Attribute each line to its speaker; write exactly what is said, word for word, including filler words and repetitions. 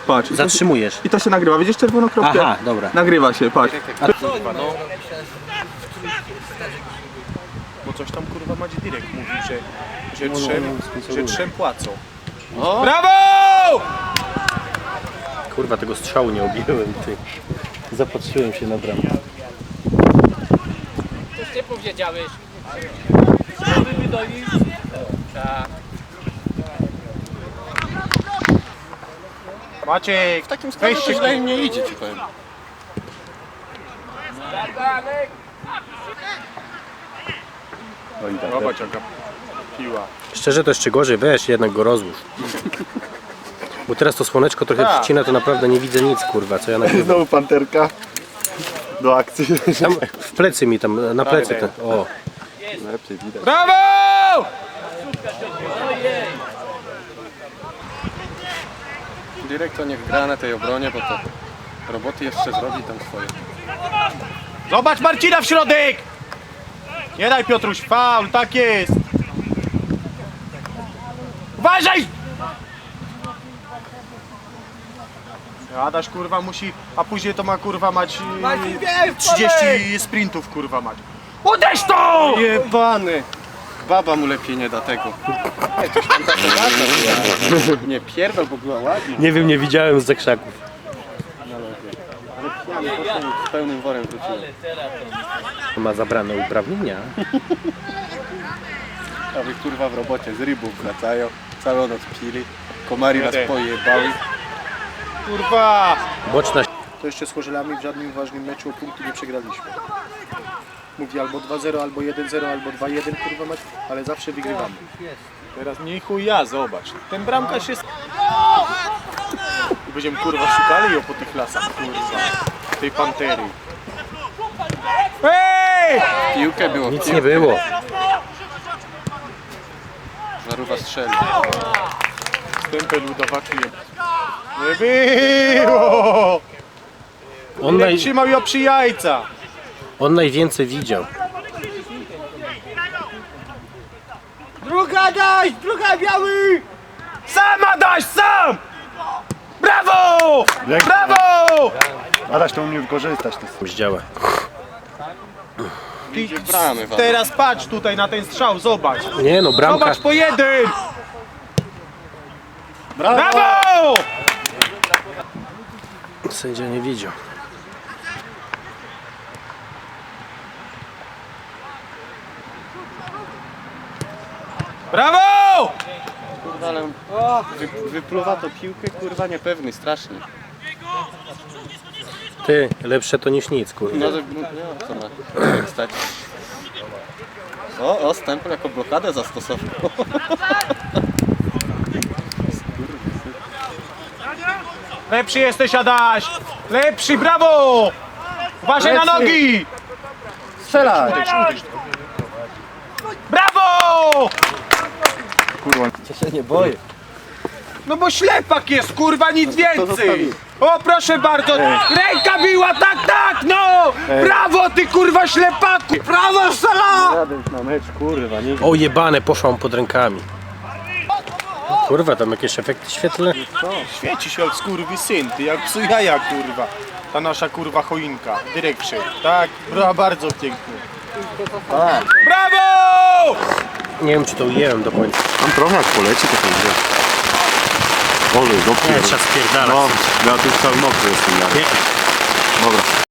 Speaker 1: patrz.
Speaker 2: Zatrzymujesz.
Speaker 1: I to się nagrywa, widzisz czerwoną kropkę?
Speaker 2: Aha, dobra.
Speaker 1: Nagrywa się, patrz.
Speaker 3: Kurwa, no. Bo coś tam kurwa Madzi Direk mówił, że, że, trzem, że trzem płacą. O. Brawo!
Speaker 2: Kurwa, tego strzału nie obiłem, ty. Zapatrzyłem się na bramę.
Speaker 4: Coś ty powiedziałeś? Żeby wydolić? Tak.
Speaker 3: Maciek,
Speaker 5: W takim składzie to źle im nie idzie, ci powiem.
Speaker 3: zobacz jaka piła.
Speaker 2: Szczerze to jeszcze gorzej, weź jednak go rozłóż. Bo teraz to słoneczko trochę przycina, to naprawdę nie widzę nic, kurwa, co ja nagrywam.
Speaker 5: Znowu panterka. Do akcji.
Speaker 2: Tam w plecy mi tam, na plecy ten, o.
Speaker 5: Lepiej widać.
Speaker 3: Brawo!
Speaker 5: Dyrektor niech gra na tej obronie, bo to roboty jeszcze zrobi tam swoje.
Speaker 3: Zobacz Marcina w środek! Nie daj Piotruś, faul, tak jest! Uważaj! Adaś kurwa musi, a później to ma kurwa mać yy, trzydzieści sprintów kurwa mać. Uderz to!
Speaker 5: Jebany! Baba mu lepiej nie da tego. Nie, coś tam taka ładna była. Nie pierdol, bo była ładna.
Speaker 2: Nie wiem, nie widziałem z zakrzaków.
Speaker 5: Ale potem z pełnym worem wróciłem.
Speaker 2: Ma zabrane uprawnienia.
Speaker 5: A wy kurwa w robocie z rybów wracają. Całą noc pili. Komary nas pojebały.
Speaker 3: Kurwa!
Speaker 2: Boczna.
Speaker 6: To jeszcze z Chorzelami w żadnym ważnym meczu o punkty nie przegraliśmy. Mówi albo dwa zero, albo jeden zero, albo dwa jeden, kurwa mać, ale zawsze wygrywamy.
Speaker 3: Teraz nie chuj ja, zobacz. Ten bramkarz jest... I będziemy kurwa szukali ją po tych lasach, kurwa. Tej pantery. Hej!
Speaker 5: Piłkę było.
Speaker 2: Nic nie było.
Speaker 5: Żarówa strzeli.
Speaker 3: Stempel udawaki. Nie było!
Speaker 2: On,
Speaker 3: Nie
Speaker 2: naj,
Speaker 3: trzymał ją przy jajca.
Speaker 2: on najwięcej widział.
Speaker 3: Druga daj! Druga biały! Sama daś, sam! Brawo! Brawo!
Speaker 6: Adaś to umie wykorzystać. To
Speaker 2: Zdziała.
Speaker 5: Idzie bramy wam.
Speaker 3: Teraz patrz tutaj na ten strzał, zobacz.
Speaker 2: Nie no, bramka.
Speaker 3: Zobacz po jeden! Brawo!
Speaker 2: Sędzia nie widział.
Speaker 3: Brawo!
Speaker 5: Kurwa, ale wy, wypluwa to piłkę, kurwa, niepewny, strasznie.
Speaker 2: Ty, lepsze to niż nic, kurwa.
Speaker 5: No, że- no co ma stać? O, o, stempel jako blokadę zastosował.
Speaker 3: Lepszy jesteś, Adaś! Lepszy, brawo! Uważaj na nogi!
Speaker 5: Strzelaj!
Speaker 3: Brawo!
Speaker 2: Ja się nie boję.
Speaker 3: No bo ślepak jest, kurwa, nic więcej! O, proszę bardzo! Ręka biła, tak, tak, no! Brawo, ty kurwa ślepaku! Brawo, sala!
Speaker 5: Na mecz, kurwa, nie.
Speaker 2: O jebane, poszłam pod rękami. Kurwa, tam jakieś efekty świetlne.
Speaker 3: Świeci się jak skurwy syn, ty jak psu jaja, kurwa. Ta nasza kurwa choinka, dyrekcie. Tak, była bardzo pięknie. Brawo!
Speaker 2: Nie wiem, czy to ujęłem do końca.
Speaker 7: Tam trochę jak poleci, to będzie. Ole,
Speaker 2: Nie,
Speaker 7: dopiero.
Speaker 2: trzeba spierdalać.
Speaker 7: No, ja tu cały mokry jestem. Ja.
Speaker 2: Nie.